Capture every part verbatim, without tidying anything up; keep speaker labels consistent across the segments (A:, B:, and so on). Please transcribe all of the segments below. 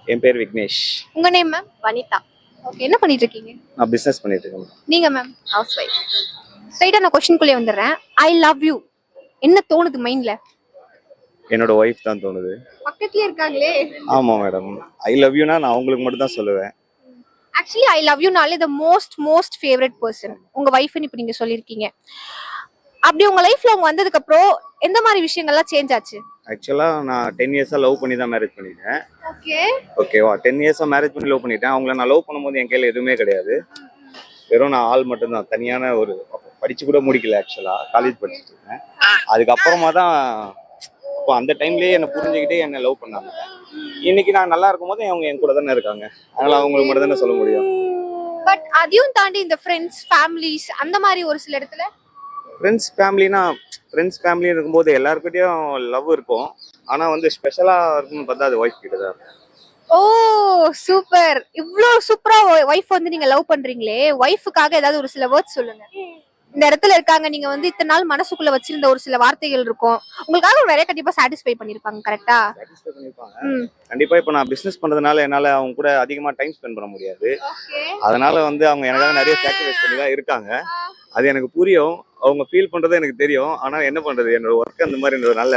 A: என் பேர் விக்னேஷ்.
B: உங்க name ma'am?
C: Vanitha.
B: Okay, என்ன பண்ணிட்டு இருக்கீங்க?
A: நான் பிசினஸ் பண்ணிட்டு இருக்கேன்.
B: நீங்க மேம்?
C: House wife.
B: ஸ்ட்ரைட்டா நான் क्वेश्चनக்குள்ளே வந்துறேன். ஐ லவ் யூ என்ன தோணுது மைண்ட்ல?
A: என்னோட ஒய்ஃப் தான் தோணுது.
B: பக்கத்துலயே இருக்காங்களே.
A: ஆமா மேடம். ஐ லவ் யூனா நான் உங்களுக்கு மட்டும் தான் சொல்லுவேன்.
B: ஆக்சுவலி ஐ லவ் யூ நாலே the most most favorite person உங்க வைஃப்னு இப்ப நீங்க சொல்லிருக்கீங்க. அப்படி உங்க லைஃப்ல அவங்க வந்ததுக்கு அப்புறம் எந்த மாதிரி விஷயங்கள்லாம் சேஞ்ச் ஆச்சு?
A: ஆக்சுவலா நான் டென் இயர்ஸா லவ் பண்ணி தான் மேரேஜ் பண்ணிட்டேன்.
B: ஓகே.
A: ஓகேவா, டென் இயர்ஸா மேரேஜ் பண்ணி லவ் பண்ணிட்டேன். அவங்கள நான் லவ் பண்ணும்போது என் கையில எதுவுமே கிடையாது. வெறும் நான் ஆள் மட்டும்தான். தனியான ஒரு படிச்சு கூட முடிக்கல. ஆக்சுவலா காலேஜ் படிச்சுட்டு இருக்கேன். அதுக்கப்புறமா தான் இப்போ அந்த டைம்லயே என்னை புரிஞ்சுக்கிட்டே என்னை லவ் பண்ணாங்க. இன்னைக்கு நான் நல்லா இருக்கும் போது அவங்க என் கூட தானே இருக்காங்க. அதனால அவங்களுக்கு மட்டும் தானே சொல்ல முடியும்.
B: பட் அதையும் தாண்டி இந்த ஃப்ரெண்ட்ஸ் ஃபேமிலிஸ் அந்த மாதிரி ஒரு சில இடத்துல
A: ஃப்ரெண்ட்ஸ் ஃபேமிலினா ஃப்ரெண்ட்ஸ் ஃபேமிலி இருக்கும்போது எல்லாருக்கிட்டையும் லவ் இருக்கும். ஆனா வந்து ஸ்பெஷலா இருக்குன்னு பார்த்தா அது ஒய்ஃப் கிட்ட தான்.
B: Oh super. இவ்ளோ சூப்பரா வைஃப் வந்து நீங்க லவ் பண்றீங்களே, வைஃப்காக ஏதாவது ஒரு சில வேர்ட்ஸ் சொல்லுங்க. இந்த இடத்துல இருக்காங்க, நீங்க வந்து இத்தனை நாள் மனசுக்குள்ள வச்சிருந்த ஒரு சில வார்த்தைகள் இருக்கும், உங்களுக்காக நிறைய கண்டிப்பா சாட்டிஸ்ஃபை பண்ணிருப்பாங்க. கரெக்டா?
A: சாட்டிஸ்ஃபை பண்ணிருப்பாங்க கண்டிப்பா. இப்போ நான் பிசினஸ் பண்றதுனால என்னால அவங்க கூட அதிகமா டைம் ஸ்பெண்ட் பண்ண முடியாது. அதனால வந்து அவங்க எனக்காக நிறைய சாக்ரிஃபைஸ் பண்ணி தான் இருக்காங்க. அது எனக்கு புரியும். அவங்க ஃபீல் பண்றது எனக்கு தெரியும். ஆனா என்ன பண்றது, என்னோட ஒர்க் அந்த மாதிரி நல்ல.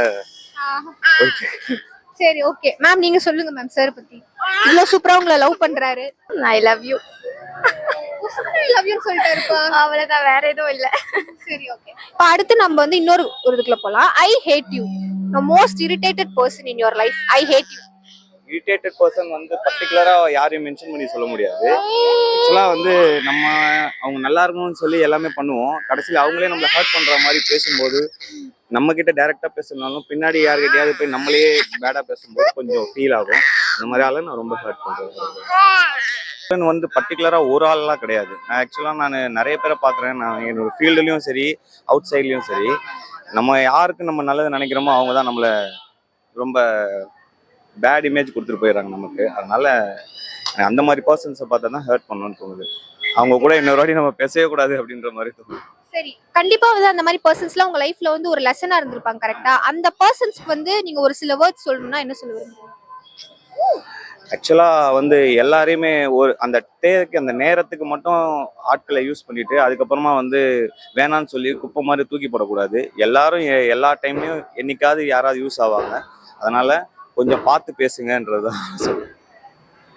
B: சரி ஓகே மேம், நீங்க சொல்லுங்க மேம் சார் பத்தி. இவ்ளோ சூப்பரா உங்களை லவ் பண்றாரு.
C: I love you.
B: I love you சொல்லிட்டாருப்பா.
C: அவ்வளவுதான், வேற எதுவும் இல்ல.
B: சரி ஓகே. இப்போ அடுத்து நம்ம வந்து இன்னொரு ஒரு இதுக்குள்ள போலாம். I hate you. the most irritated person in your life. I hate you.
A: Irritated person வந்து பர்டிகுலரா யாரையும் மென்ஷன் பண்ணி சொல்ல முடியாது. ஆக்சுவலா வந்து நம்ம அவங்க நல்லா இருக்கணும்னு சொல்லி எல்லாமே பண்ணுவோம். கடைசியில் அவங்களே நம்மளை ஹர்ட் பண்ற மாதிரி பேசும்போது, நம்ம கிட்ட டைரக்டா பேசணும்னாலும் பின்னாடி யார்கிட்டயாவது போய் நம்மளே பேடா பேசும்போது கொஞ்சம் ஃபீல் ஆகும். இந்த மாதிரி ஆள நான் ரொம்ப ஹர்ட் பண்றேன். வந்து பர்டிகுலரா ஒரு ஆள்லாம் கிடையாது. நான் ஆக்சுவலா நான் நிறைய பேரை பாக்குறேன். நான் என்னோட ஃபீல்டுலயும் சரி, அவுட் சைட்லயும் சரி, நம்ம யாருக்கு நம்ம நல்லது நினைக்கிறோமோ அவங்க தான் நம்மள ரொம்ப பேட் இமேஜ் கொடுத்துட்டு போயிடுறாங்க நமக்கு. அதனால அந்த மாதிரி பர்சன்ஸை பார்த்தா தான் ஹர்ட் பண்ணணும்னு தோணுது. அவங்க கூட இன்னொரு வாட்டி நம்ம பேசவே கூடாது அப்படின்ற மாதிரி தோணுது.
B: சரி, கண்டிப்பா வந்து அந்த மாதிரி பர்சன்ஸ்லாம் உங்க லைஃப்ல வந்து ஒரு லெசனா இருந்திருப்பாங்க. கரெக்டா? அந்த பர்சன்ஸ்க்கு வந்து நீங்க ஒரு சில வேர்ட்ஸ் சொல்லணும்னா என்ன சொல்லுவீங்க?
A: ஆக்சுவலா வந்து எல்லாரையுமே ஒரு அந்த டேக்கு அந்த நேரத்துக்கு மட்டும் ஆட்களை யூஸ் பண்ணிட்டு அதுக்கப்புறமா வந்து வேணான்னு சொல்லி குப்பை மாதிரி தூக்கி போடக்கூடாது. எல்லாரும் எல்லா டைம்லயும் என்னைக்காவது யாராவது யூஸ் ஆவாங்க. அதனால கொஞ்சம் பார்த்து பேசுங்கன்றதுதான் சொல்லுவேன்.